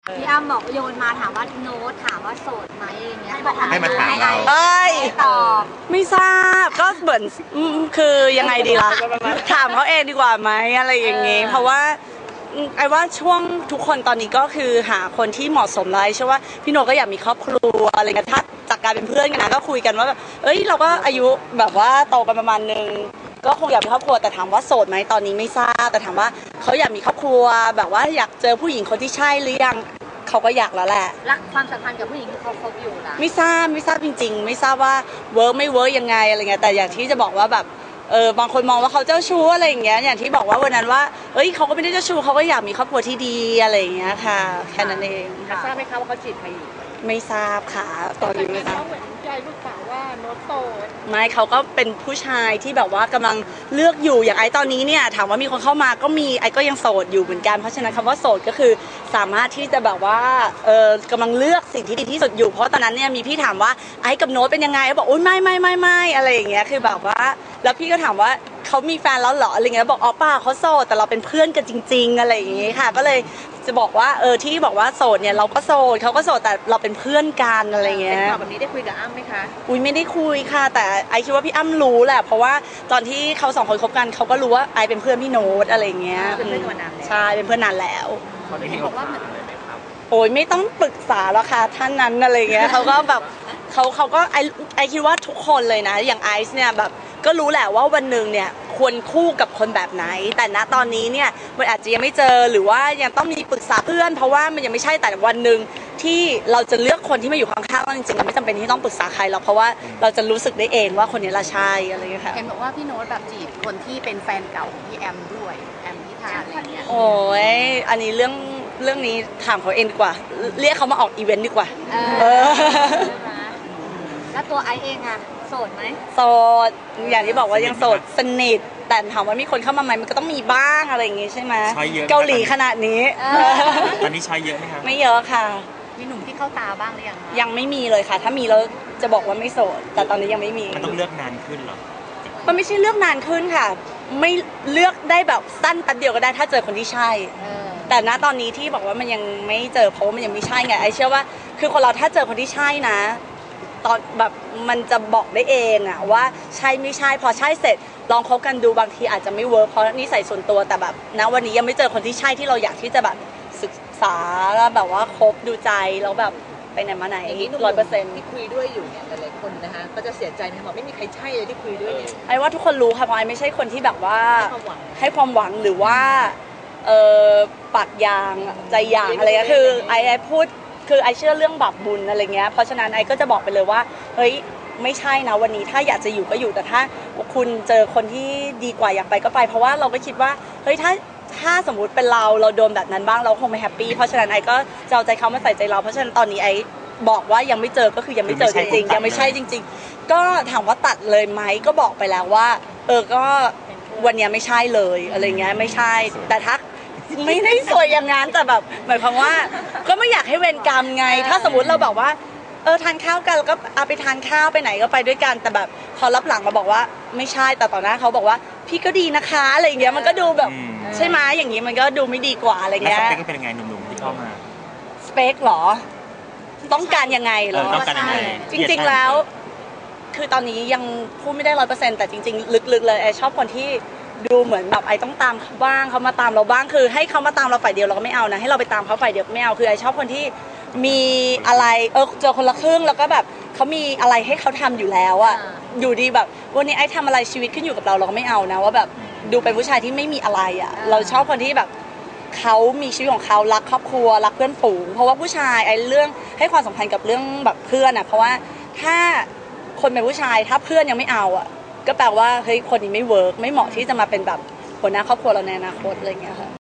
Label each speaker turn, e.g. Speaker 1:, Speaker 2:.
Speaker 1: พี่อ้ำบอกโยนมาถามว่าโน้ตถามว่าโสดไหมอย่างเงี้ย
Speaker 2: ให้มาถามเรา
Speaker 1: ตอบ
Speaker 3: ไม่ทราบก็เหมือนคือยังไงดีล่ะถามเขาเองดีกว่าไหมอะไรอย่างงี้เพราะว่าไอ้ว่าช่วงทุกคนตอนนี้ก็คือหาคนที่เหมาะสมเลยใช่ว่าพี่โนก็อยากมีครอบครัวอะไรเงี้ยถ้าจากการเป็นเพื่อนกันนะก็คุยกันว่าแบบเราก็อายุแบบว่าโตกันประมาณนึงก็คงอยากมีครอบครัวแต่ถามว่าโสดไหมตอนนี้ไม่ทราบแต่ถามว่าเขาอยากมีครอบครัวแบบว่าอยากเจอผู้หญิงคนที่ใช่หรือยังเขาก็อยากแล้วแหละ
Speaker 1: รักความสัมพันธ์กับผู้หญิงที่เขาคบอยู่นะ
Speaker 3: ไม่ทราบจริงๆไม่ทราบว่าเวิร์กไม่เวิร์กยังไงอะไรเงี้ยแต่อย่างที่จะบอกว่าแบบบางคนมองว่าเขาเจ้าชู้อะไรอย่างเงี้ยอย่างที่บอกว่าวันนั้นว่าเขาก็ไม่ได้เจ้าชู้เขาก็อยากมีครอบครัวที่ดีอะไรอย่างเงี้ยค่ะแค่นั้นเอง
Speaker 1: ทราบไหมคะว่าเขาจีบใครอยู่
Speaker 3: ไม่ทราบค่ะตอนนี้ไม่ทราบ
Speaker 1: เหมือนใจลูกสาวว่าโน้ตโสด
Speaker 3: ไม่เขาก็เป็นผู้ชายที่แบบว่ากำลังเลือกอยู่อย่างไอ้ตอนนี้เนี่ยถามว่ามีคนเข้ามาก็มีไอ้ก็ยังโสดอยู่เหมือนกันเพราะฉะนั้นคำว่าโสดก็คือสามารถที่จะแบบว่ากำลังเลือกสิ่งที่ดีที่สุดอยู่เพราะตอนนั้นเนี่ยมีพี่ถามว่าไอ้กับโน้ตเป็นยังไงเขาบอกโอ๊ยไม่อะไรอย่างเงี้ยคือแบบว่าแล้วพี่ก็ถามว่าเขามีแฟนแล้วเหรออะไรเงี้ยบอกอ๋อเปล่าเขาโสดแต่เราเป็นเพื่อนกันจริงๆอะไรอย่างเงี้ยค่ะก็เลยจะบอกว่าที่บอกว่าโสดเนี่ยเราก็โสดเขาก็โสดแต่เราเป็นเพื่อนกันอะไรเงี้ย
Speaker 1: แบบนี้ได้คุยกับอ้ำไหมคะ
Speaker 3: อุ้ยไม่ได้คุยค่ะแต่ไอคิดว่าพี่อ้ำรู้แหละเพราะว่าตอนที่เขาสองคนคบกันเขาก็รู้ว่าไอเป็นเพื่อนพี่โน้ตอะไรเงี้ย
Speaker 1: เป็นเพื่อนนานแล้ว
Speaker 3: ใช่เป็นเพื่อนนานแล้ว
Speaker 2: ตอนนี้บอกว่าอะไรครับ
Speaker 3: โอ้ยไม่ต้องปรึกษาแล้วค่ะท่านนั้นอะไรเงี้ยเขาก็แบบเขาก็ไอคิดว่าทุกคนเลยนะอย่างไอซ์เนี่ยแบบก็รู้แหละว่าวันหนึ่งเนี่ยควรคู่กับคนแบบไหนแต่ณตอนนี้เนี่ยมันอาจจะยังไม่เจอหรือว่ายังต้องมีปรึกษาเพื่อนเพราะว่ามันยังไม่ใช่แต่วันหนึ่งที่เราจะเลือกคนที่มาอยู่ข้างๆเราจริงๆเราไม่จำเป็นที่ต้องปรึกษาใครหรอกเพราะว่าเราจะรู้สึกได้เองว่าคนนี้ละใช่อะไรอย่างเงี้ยค่ะ
Speaker 1: เห็นบอกว่าพี่โน้ตแบบจีบคนที่เป็นแฟนเก่าของพี่แอมด้วยแอมพิธาอะไรเงี้ย
Speaker 3: โอ้ยอันนี้เรื่องนี้ถามเขาเองดีกว่าเรียกเขามาออกอีเวนต์ดีกว่า
Speaker 1: แล้วตัวไอเองอะโสดไหม
Speaker 3: โสดอย่างที่บอกว่ายังโสดสนิทแต่ถามว่ามีคนเข้ามาไหมมันก็ต้องมีบ้างอะไรอย่างงี้ใช่ไหมเกาหลีขนาดนี้
Speaker 2: ตอนนี้ใช้เยอะไหมคะ
Speaker 3: ไม่เยอะค่ะ
Speaker 1: มีหนุ่มที่เข้าตาบ้างหรือยัง
Speaker 3: ยังไม่มีเลยค่ะถ้ามีแล้วจะบอกว่าไม่โสดแต่ตอนนี้ยังไม่มี
Speaker 2: มันต้องเลือกนานขึ้นหรอ
Speaker 3: มันไม่ใช่เลือกนานขึ้นค่ะไม่เลือกได้แบบสั้นแป๊บเดียวก็ได้ถ้าเจอคนที่ใช่แต่ณตอนนี้ที่บอกว่ามันยังไม่เจอเพราะว่ามันยังไม่ใช่ไงไอเชื่อว่าคือคนเราถ้าเจอคนที่ใช่นะตอนแบบมันจะบอกได้เองอะว่าใช่ไม่ใช่พอใช่เสร็จลองคบกันดูบางทีอาจจะไม่เวิร์คเพราะนิสัยส่วนตัวแต่แบบณวันนี้ยังไม่เจอคนที่ใช่ที่เราอยากที่จะแบบศึกษาแบบว่าคบดูใจแล้วแบบไปไหนมาไหน100%
Speaker 1: ที่คุยด้วยอยู่เนี่ยหลายๆคนนะคะก็จะเสียใจไหมบอกไม่มีใครใช่เลยที่คุยด้วยเนี่ย
Speaker 3: ไอ้ว่าทุกคนรู้ค่ะเพราะไอ้ไม่ใช่คนที่แบบว่าให้ความหวังหรือว่าปากยางใจยางอะไรก็คือไอ้พูดคือไอเชื่อเรื่องบาปบุญอะไรเงี้ยเพราะฉะนั้นไอก็จะบอกไปเลยว่าเฮ้ยไม่ใช่นะวันนี้ถ้าอยากจะอยู่ก็อยู่แต่ถ้าคุณเจอคนที่ดีกว่าอยากไปก็ไปเพราะว่าเราก็คิดว่าเฮ้ยถ้าสมมุติเป็นเราโดนแบบนั้นบ้างเราคงไม่แฮปปี้เพราะฉะนั้นไอก็จะเอาใจเขามาใส่ใจเราเพราะฉะนั้นตอนนี้ไอบอกว่ายังไม่เจอก็คือยังไม่เจอจริงๆยังไม่ใช่จริงๆก็ถามว่าตัดเลยไหมก็บอกไปแล้วว่าก็วันนี้ไม่ใช่เลยอะไรเงี้ยไม่ใช่แต่ถ้าไม่ได้สวยอย่างนั้นแต่แบบหมายความว่าก็ไม่อยากให้เวรกรรมไงถ้าสมมติเราบอกว่าทานข้าวกันแล้วก็เอาไปทานข้าวไปไหนก็ไปด้วยกันแต่แบบพอรับหลังมาบอกว่าไม่ใช่แต่ต่อหน้าเขาบอกว่าพี่ก็ดีนะคะอะไรอย่างเงี้ยมันก็ดูแบบใช่ไหมอย่างงี้มันก็ดูไม่ดีกว่าอะไรเงี้ย
Speaker 2: สเปคเป็นยังไงหนุ่มๆที่เข้ามา
Speaker 3: สเปคหรอต้องการยังไงหรอ
Speaker 2: ต้องการยังไง
Speaker 3: จริงๆแล้วคือตอนนี้ยังพูดไม่ได้100%แต่จริงๆลึกๆเลยไอชอบคนที่ดูเหมือนแบบไอต้องตามเขาบ้างเขามาตามเราบ้างคือให้เขามาตามเราฝ่ายเดียวเราก็ไม่เอานะให้เราไปตามเขาฝ่ายเดียวไม่เอาคือไอชอบคนที่มีอะไรเจอคนละครึ่งแล้วก็แบบเขามีอะไรให้เขาทำอยู่แล้วอะอยู่ดีแบบวันนี้ไอทำอะไรชีวิตขึ้นอยู่กับเราก็ไม่เอานะว่าแบบดูเป็นผู้ชายที่ไม่มีอะไรอะเราชอบคนที่แบบเขามีชีวิตของเขารักครอบครัวรักเพื่อนฝูงเพราะว่าผู้ชายไอเรื่องให้ความสำคัญกับเรื่องแบบเพื่อนอะเพราะว่าถ้าคนเป็นผู้ชายถ้าเพื่อนยังไม่เอาอะก็แปลว่าเฮ้ยคนนี้ไม่เวิร์กไม่เหมาะที่จะมาเป็นแบบหัวหน้าครอบครัวเราในอนาคตอะไรเงี้ยค่ะ